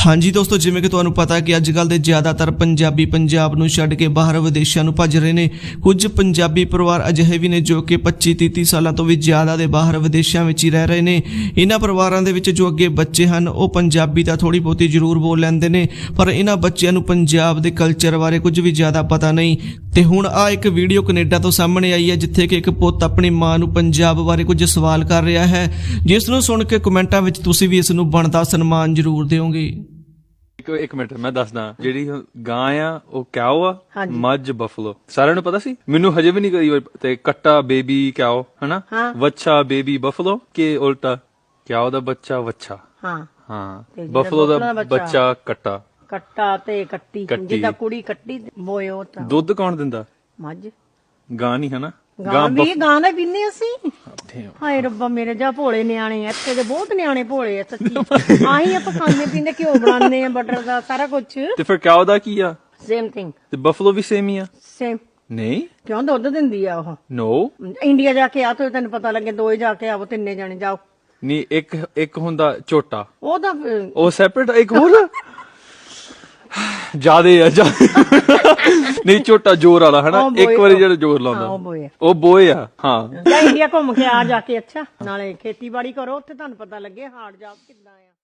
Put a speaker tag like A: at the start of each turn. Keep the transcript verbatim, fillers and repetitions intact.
A: हाँ जी दोस्तों, जिवें कि तुहानूं पता कि अजकल दे ज़्यादातर पंजाबी पंजाब नूं छड्ड के बाहर विदेशों नूं भज रहे ने। कुछ पंजाबी परिवार अजिहे भी ने जो कि पच्ची तीह सालों तो भी ज़्यादा दे बाहर विदेशों में ही रह रहे ने। इन्हां परिवारां दे विच जो अगे बच्चे हैं वो पंजाबी तां थोड़ी बहुती जरूर बोल लैंदे ने, पर इन्हां बच्चों नूं पंजाब दे कल्चर बारे कुछ भी ज़्यादा पता नहीं। ते हुण आ एक वीडियो कनेडा तो सामने आई है जिथे कि एक पुੱਤ अपनी मां नूं पंजाब बारे कुछ सवाल कर रहा है, जिस नूं सुन के कमेंटां विच तुसीं भी इस नूं बनदा सन्मान जरूर दिओगे।
B: एक मिनट मैं दसदा ਜਿਹੜੀ ਗਾਂ ਆ ਉਹ ਕਿਆਓ ਆ ਮੱਝ ਬਫਲੋ ਸਾਰਿਆਂ ਨੂੰ ਪਤਾ ਸੀ, ਮੈਨੂੰ ਹਜੇ ਵੀ ਨਹੀਂ ਕਰੀ ਤੇ ਕੱਟਾ ਬੇਬੀ ਕਿਆਓ ਹਨਾ, ਵੱਛਾ ਬੇਬੀ ਬਫਲੋ ਕਿ ਉਲਟਾ ਕਿਆਓ ਦਾ ਬੱਚਾ ਵੱਛਾ ਹਾਂ ਹਾਂ ਬਫਲੋ ਦਾ ਬੱਚਾ ਕੱਟਾ
C: ਕੱਟਾ ਤੇ ਕੱਟੀ ਜਿੱਦਾਂ ਕੁੜੀ ਕੱਟੀ ਬੋਏ ਉਹ ਤਾਂ
B: ਦੁੱਧ ਕੌਣ ਦਿੰਦਾ?
C: ਮੱਝ
B: ਗਾਂ ਨਹੀਂ ਹਨਾ,
C: ਗਾਂ ਵੀ ਗਾਂ ਦਾ ਪੀਨੇ ਅਸੀਂ। ਹਾਏ ਰੱਬਾ ਮੇਰੇ ਜਾ ਭੋਲੇ ਨਿਆਣੇ ਇੱਥੇ ਦੇ ਬਹੁਤ ਨਿਆਣੇ ਭੋਲੇ ਆ ਸੱਚੀ। ਆਹੀ ਆਪਾਂ ਖਾਂਦੇ ਪੀਂਦੇ ਘਿਓ ਬਣਾਉਂਦੇ ਆ ਬਟਰ ਦਾ ਸਾਰਾ ਕੁਝ।
B: ਤੇ ਫਿਰ ਕਿਆਓ ਦਾ ਕੀ ਆ?
C: Same thing.
B: ਤੇ ਬਫਲੋ ਵੀ ਸੇਮ ਹੀ ਆ?
C: ਸੇਮ
B: ਨਹੀਂ,
C: ਕਿਉਂ ਦੁੱਧ ਦਿੰਦੀ ਆ ਉਹ?
B: ਨੋ,
C: ਇੰਡੀਆ ਜਾ ਕੇ ਆ ਤੋ ਤੈਨੂੰ ਪਤਾ ਲੱਗੇ, ਦੋਏ ਜਾ ਕੇ ਆਵੋ, ਤਿੰਨੇ ਜਾਣੇ ਜਾਓ।
B: ਨਹੀਂ, ਇੱਕ ਇੱਕ ਹੁੰਦਾ ਝੋਟਾ,
C: ਉਹ ਤਾਂ
B: ਉਹ ਸੈਪਰੇਟ, ਇੱਕ ਹੋਰ ਜਿਆਦੇ ਆ ਨਹੀਂ ਝੋਟਾ ਜ਼ੋਰ ਵਾਲਾ ਹਨਾ, ਇੱਕ ਵਾਰੀ ਜਿਹੜਾ ਜ਼ੋਰ ਲਾਉਂਦਾ ਉਹ ਬੋਏ ਆ। ਹਾਂ,
C: ਇੰਡੀਆ ਘੁੰਮ ਕੇ ਆ ਜਾ ਕੇ, ਅੱਛਾ ਨਾਲੇ ਖੇਤੀਬਾੜੀ ਕਰੋ, ਉੱਥੇ ਤੁਹਾਨੂੰ ਪਤਾ ਲੱਗੇ ਹਾਰਡ ਜਾਬ ਕਿੱਦਾਂ ਆ।